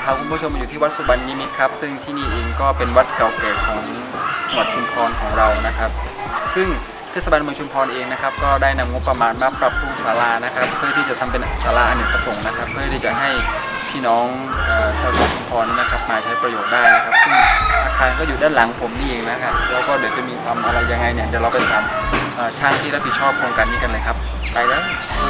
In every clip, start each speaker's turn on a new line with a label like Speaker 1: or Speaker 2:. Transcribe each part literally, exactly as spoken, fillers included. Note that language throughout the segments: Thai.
Speaker 1: พาคุณผู้ชมมาอยู่ที่วัดสุบรรณนิมิตรครับซึ่งที่นี่เองก็เป็นวัดเก่าแก่ของจังหวัดชุมพรของเรานะครับซึ่งเทศบาลเมืองชุมพรเองนะครับก็ได้นำงบประมาณมาปรับปรุงศาลานะครับเพื่อที่จะทำเป็นศาลาอเนกประสงค์นะครับเพื่อที่จะให้พี่น้องชาวชุมพรนะครับมาใช้ประโยชน์ได้นะครับซึ่งอาคารก็อยู่ด้านหลังผมนี่เองนะครับแล้วก็เดี๋ยวจะมีทำอะไรยังไงเนี่ยเดี๋ยวเราไปถามช่างที่รับผิดชอบโครงการนี้กันเลยครับไปเลย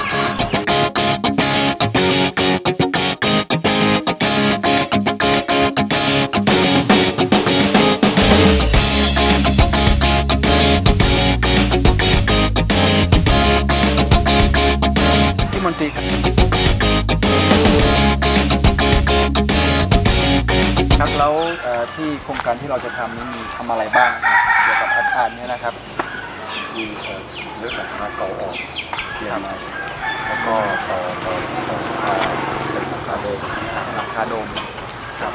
Speaker 1: มนตรีครับครับแล้วที่โครงการที่เราจะทำนี้มีทำอะไรบ้างเกี่ยวกับอาคารนี้นะครับ
Speaker 2: มีเรื่องหลังคาเก่าออกเกี่ยวมาแล้วก็ต่อต่อต่อหลังคาเป็นหลังคาโดม
Speaker 1: หลังคาโดม
Speaker 2: ครับ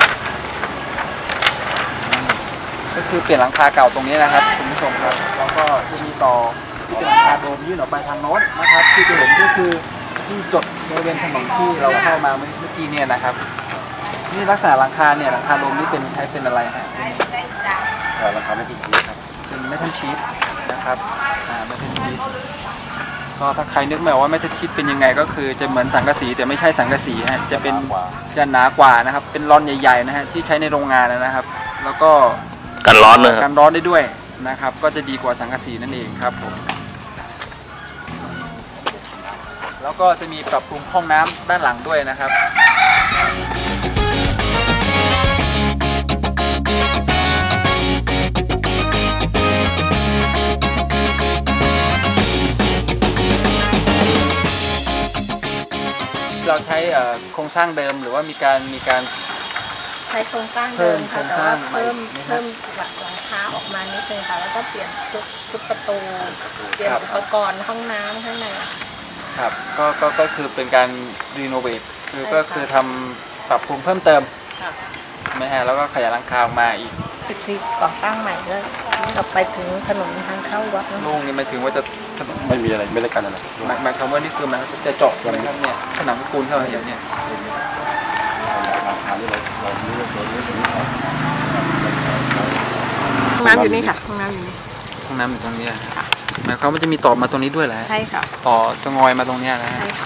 Speaker 1: ก็คือเปลี่ยนหลังคาเก่าตรงนี้นะครับคุณผู้ชมครับแล้วก็จะมีต่อที่เป็นหลังคาโดมยื่นออกไปทางโน้นนะครับที่จะเห็นก็คือที่จดบริเวณถนนที่เราเข้ามาเมื่อกี้เนี่ยนะครับนี่ลักษณะหลังคาเนี่ยหลังคาโดมนี่เป็นใช้เป็นอะไรฮะ
Speaker 2: หลังคาไม่ทิ้งชีสครับ
Speaker 1: เป็นเมทัลชีทนะครับอ่าเมทัลชีทก็ถ้าใครนึกไม่ออกว่าเมทัลชีทเป็นยังไงก็คือจะเหมือนสังกะสีแต่ไม่ใช่สังกะสีฮะจะเป็นจะหนากว่านะครับเป็นรอนใหญ่ๆนะฮะที่ใช้ในโรงงานนะครับแล้วก็
Speaker 3: กันร้อนเลย
Speaker 1: กันร้อนได้ด้วยนะครับก็จะดีกว่าสังกะสีนั่นเองครับผมแล้วก็จะมีปรับปรุงห้องน้ำด้านหลังด้วยนะครับเราใช้โครงสร้างเดิมหรือว่ามีการมีการ
Speaker 4: ใช้โครงสร้างเดิมค่ะแต่ว่าเพิ่มเพิ่มหลังคาออกมานิดนึงค่ะแล้วก็เปลี่ยนชุดชุดประตูเปลี่ยนอุปกรณ์ห้องน้ำข้างใน
Speaker 1: ครับก็ก็ก็คือเป็นการรีโนเวทคือก็คือทำปรับปรุงเพิ่มเติมไม่ฮะแล้วก็ขยายหลังคาออกมาอีก
Speaker 4: ตึกที่ก่อตั้งใหม่เลยต่อไปถึงถนนทางเข้าวัด
Speaker 1: โล่งนี่หมายถึงว่าจะ
Speaker 2: ไม่มีอะไรไม่ได้กันอะไร
Speaker 1: หมายความว่านี่คือมันจะเจาะใช่ไหมครับเนี่ยผนังปูนเท่าไหร่เนี่ย
Speaker 4: ห้องน้ำอยู่นี่ค่ะห้องน้ำอยู่นี่
Speaker 1: ห้องน้ำอยู่ตรงนี้หมายความว่าจะมีต่อมาตรงนี้ด้วยเหรอ
Speaker 4: ใช่ค่ะ
Speaker 1: ต่อจะงอยมาตรงนี้นะ
Speaker 4: ใช่ค่ะ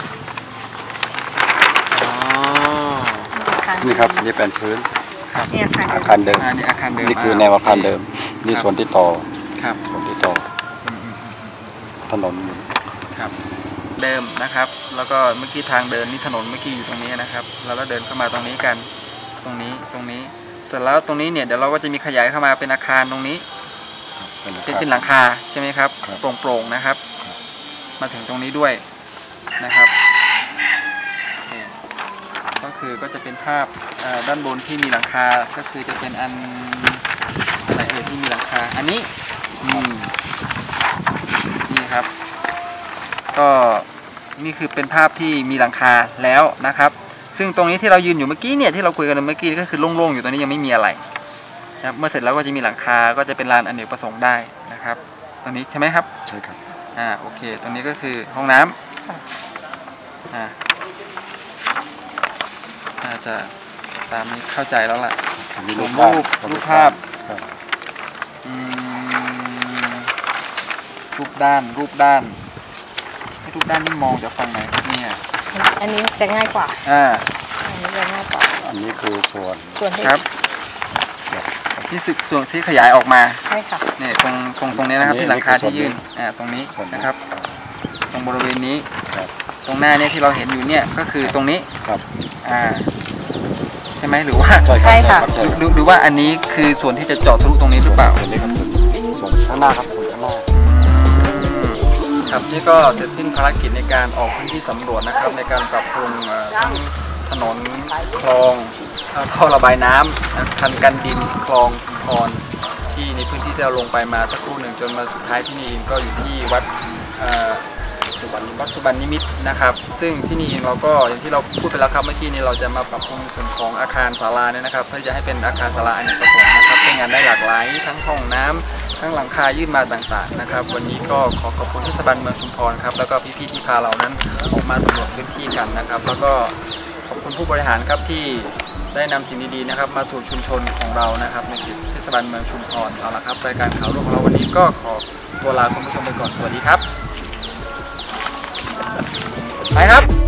Speaker 1: อ๋อ
Speaker 2: นี่ครับนี่เป็นพื้น
Speaker 4: นี่
Speaker 2: อาคารเดิม
Speaker 1: อันนี้อาคารเดิม
Speaker 2: นี่คือแนวอาคารเดิมนี่ส่วนที่ต่อ
Speaker 1: ครับ
Speaker 2: ส่วนที่ต่อถนน
Speaker 1: ครับเดิมนะครับแล้วก็เมื่อกี้ทางเดินนี่ถนนเมื่อกี้อยู่ตรงนี้นะครับแล้วก็เดินเข้ามาตรงนี้กันตรงนี้ตรงนี้เสร็จแล้วตรงนี้เนี่ยเดี๋ยวเราก็จะมีขยายเข้ามาเป็นอาคารตรงนี้เป็นเป็นหลังคาใช่ไหมครับโปร่งๆนะครับมาถึงตรงนี้ด้วยนะครับก็คือก็จะเป็นภาพด้านบนที่มีหลังคาก็คือจะเป็นอันอะไรเอ่ยที่มีหลังคาอันนี้นี่ครับก็นี่คือเป็นภาพที่มีหลังคาแล้วนะครับซึ่งตรงนี้ที่เรายืนอยู่เมื่อกี้เนี่ยที่เราคุยกันเมื่อกี้ก็คือโล่งๆอยู่ตรงนี้ยังไม่มีอะไรนะเมื่อเสร็จแล้วก็จะมีหลังคาก็จะเป็นลานอเนกประสงค์ได้นะครับตรงนี้ใช่ไหมครับ
Speaker 2: ใช่ครับ
Speaker 1: อ่าโอเคตรงนี้ก็คือห้องน้ำอ่าน่าจะตามนี้เข้าใจแล้วล่ะรูปรูปภาพรูปด้านรูปด้านรูปด้านนี่มองจากฝั่งไหนครับเนี่ย
Speaker 4: อันนี้จะง่ายกว่า
Speaker 1: อ่า
Speaker 4: อันนี้จะง่ายกว่า
Speaker 2: อันนี้คือส่วน
Speaker 4: ส่วน
Speaker 1: ครับที่สึกส่วนที่ขยายออกมา
Speaker 4: ใช่ค่ะ
Speaker 1: เนี่ยตรงตรงตรงนี้นะครับที่หลังคาที่ยื่นอ่าตรงนี้นะครับตรงบริเวณนี้ตรงหน้าเนี่ยที่เราเห็นอยู่เนี่ยก็คือตรงนี้
Speaker 2: ครับ
Speaker 1: อ่าใช่ไหมหรือว่า
Speaker 4: ใช่ค่ะ
Speaker 1: หรือว่าอันนี้คือส่วนที่จะเจาะทะลุตรงนี้หรือเปล่า
Speaker 2: ส่วนข้างหน้าครับส่วนข้างหน้า
Speaker 1: ครับนี่ก็เสร็จสิ้นภารกิจในการออกพื้นที่สำรวจนะครับในการปรับปรุงทั้งถนนคลองท่อระบายน้ำคันกันดินคลองคอนที่ในพื้นที่ที่เราลงไปมาสักครู่หนึ่งจนมาสุดท้ายที่นี่ก็อยู่ที่วัดวัดสุบรรณนิมิตรนะครับซึ่งที่นี่เองเราก็อย่างที่เราพูดไปแล้วครับเมื่อกี้นี้เราจะมาปรับปรุงส่วนของอาคารศาลาเนี่ยนะครับเพื่อจะให้เป็นอาคารศาลาอเนกประสงค์นะครับใช้งานได้หลากหลายทั้งห้องน้ำทั้งหลังคายื่นมาต่างๆนะครับวันนี้ก็ขอขอบคุณเทศบาลเมืองชุมพรครับแล้วก็พี่ๆที่พาเรานั้นออกมาสำรวจพื้นที่กันนะครับแล้วก็ขอบคุณผู้บริหารครับที่ได้นำสิ่งดีๆนะครับมาสู่ชุมชนของเรานะครับในเขตเทศบาลเมืองชุมพรเอาละครับรายการข่าวรุ่งของเราวันนี้ก็ขอตัวลาคุณผู้ชมไปก่อนสวัสดีครับไปครับ